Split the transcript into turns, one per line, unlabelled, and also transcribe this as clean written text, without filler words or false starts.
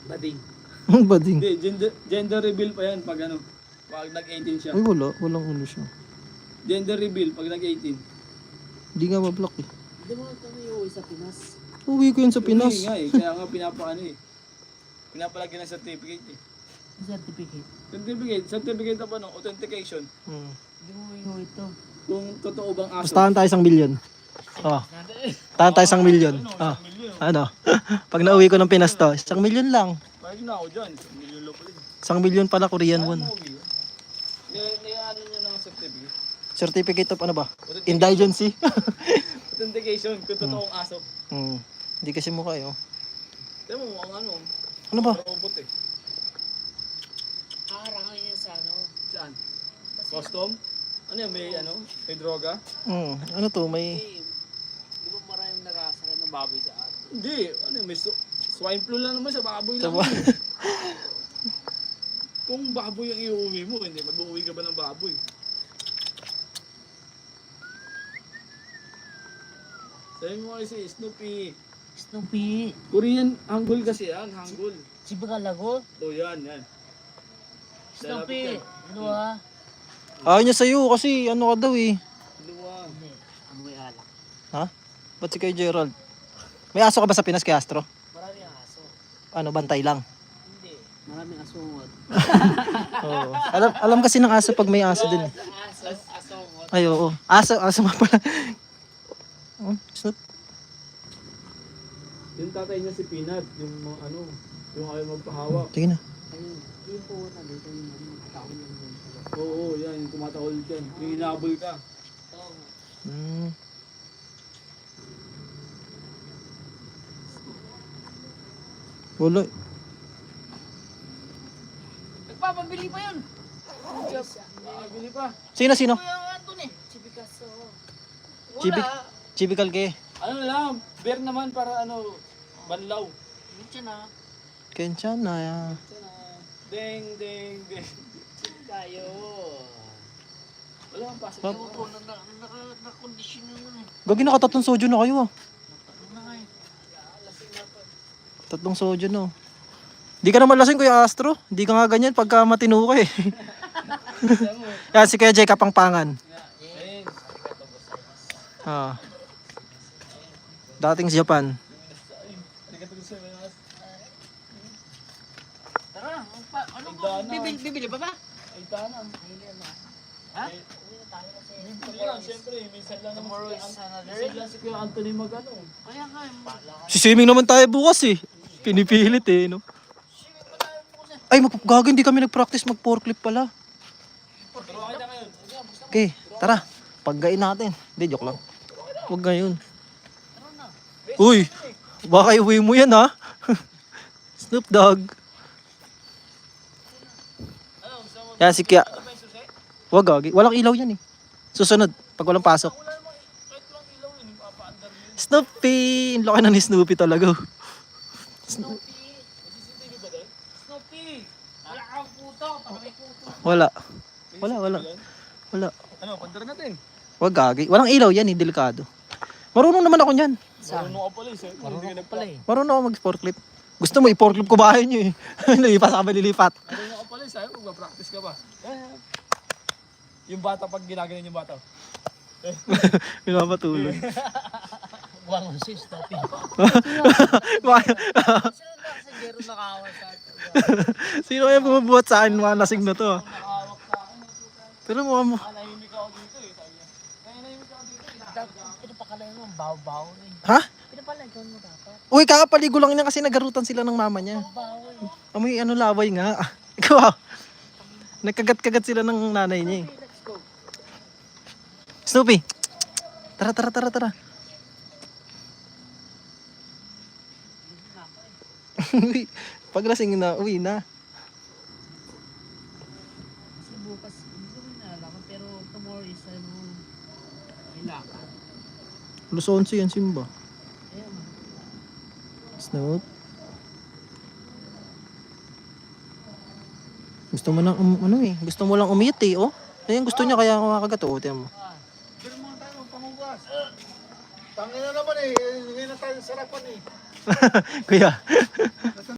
Bading.
Bading.
Hindi, gender reveal pa yan pag ano, pag nag-18 siya.
Ay wala, walang ano siya.
Gender reveal pag nag-18.
Hindi nga ma-block eh.
Hindi mo kami uuwi sa Pinas.
Uwi ko yun sa Pinas.
Hindi nga eh, kaya nga pinapaano eh. Pinapalagyan ng certificate eh.
Certificate.
Certificate na pa no, authentication.
Hindi mo uuwi ito.
Kung totoo bang aso.
Bastahan tayo 1 million. Oh. Tahan tayo 1 million. Oh. Ano? Pag nauwi ko ng Pinas to, 1 million lang.
Pahig na ako dyan, 1 million lang pala.
1 million pala Korean won.
Ano nyo ng certificate?
Certificate of ano ba? Indigency.
Authentication, kung totoong aso.
Hindi kasi mukha eh. Oh.
Tignan mo mukhang ano.
Ano ba?
Robot eh.
Harangan niya sa ano.
Saan? Custom? Ano yan, may ano? May droga?
Ano to? May...
Di ba maraming narasakan ng baboy sa atin?
Hindi, ano yan, may swine flu lang naman sa baboy lang.
Tama.
Kung baboy ang iuwi mo, hindi mag-uwi ka ba ng baboy? Sabi mo kasi, Snoopy.
Snoopy.
Korean, Hangul kasi yan, Hangul.
Si Bagalago.
O yan, yan.
Snoopy. Ano ha?
Ayaw niya sa'yo kasi ano ka daw eh.
Luwa.
Hindi. Ang may alak.
Ha? Ba't si kay Gerald? May aso ka ba sa Pinas kay Astro?
Maraming aso.
Ano, bantay lang?
Hindi. Maraming asungot.
Oo. Alam kasi ng aso pag may aso din.
Asungot.
Ay, oo. Aso nga pala. Snoop.
Yung tatay niya si Peanut, yung mga ano, yung ayaw magpahawak.
Tingin na.
Ayun. Yung po na dito yung ano. Taon lang yun.
Oo, yan, yung tumatahol dyan. Yung hinabol ka.
Oo.
Wala.
Nagpapabili pa yun.
Nakabili pa.
Sino?
Kuya Anton eh. Si Picasso.
Chibi-
Wala.
Chibikal ke.
Ano lang, bear naman para ano, banlaw.
Minsan na.
Kenshan na.
Ding, ding, ding.
Tayo.
Wala kang pasok.
Ewan ko, nakakondisyon naman eh.
Gagi naka 3 soju na kayo ah.
Ano na nga eh.
3 soju no. Di ka naman lasing Kuya Astro. Di ka nga ganyan pagka matino ka eh. Yan si Kuya Jay Kapangpangan.
Ayun.
Ah. Dating Japan.
Tara, ano bibili ba ba?
Ay, tanang.
Ha?
Bibili yan, siyempre. Minsan lang naman
Tomorrow is another.
minsan lang si Kuya Anthony mag-ano.
Kaya nga eh.
Si swimming naman tayo bukas eh. Pinipilit eh no. Ay magpapagago, hindi kami nag-practice mag-forklift pala.
Pero okay na ngayon.
Okay, tara. Paggain natin. Hindi, joke lang. Huwag ngayon. Uy, baka iuwi mo yan ha. Snoop Dogg. Yan si Kya. Huwag gagi. Walang ilaw yan eh. Susunod, pag walang pasok. Snoopy! Ang laki na ni Snoopy talaga.
Snoopy. Wala kang puto. Para may puto.
Wala. Wala.
Ano, pandara natin.
Huwag gagi. Walang ilaw yan eh, delikado. Marunong naman ako niyan.
Marunong ka pala eh. Sir.
Marunong pala eh.
Marunong ako mag-forklift. Gusto mo i-forklift ko bahay niyo eh. Lilipas ako malilipat.
Marunong ka pala eh. Sabi, mag-practice ka ba? Yung bata pag ginaganon yung bata.
Pinapatulog.
Buwang si Snoopy. Sino nakawa sa atin?
Sino kaya bumubuhat sa akin mga lasing na to?
Nakahawak sa akin.
Pero mo
Nahimik ako dito eh. Sabi niya. Nahimik ako dito.
Pinapakalain mo ang baw-baw eh.
Ha?
Pinapalagan mo dapat.
Uy, kakapaligo lang niya kasi nagarutan sila ng mama niya.
Baw eh.
Amoy ano laway nga. Ikaw nagkagat-kagat sila ng nanay niya eh.
Let's go.
Snoopy! Tara. Uy, paglasing na, uwi na.
Kasi bukas, hindi ko rin nalalaman, pero tomorrow is ano, may lakad.
Alas 11 yan, Simba.
Ayun.
Snoop. Gusto mo lang, ano eh, gusto mo lang umiit eh, oh. Ayun, gusto niya kaya kumakagat, oh, tiyan mo.
Pero mga tayo, pamugas. Tangin na naman eh. Ngayon na tayo sarapan eh.
Kuya.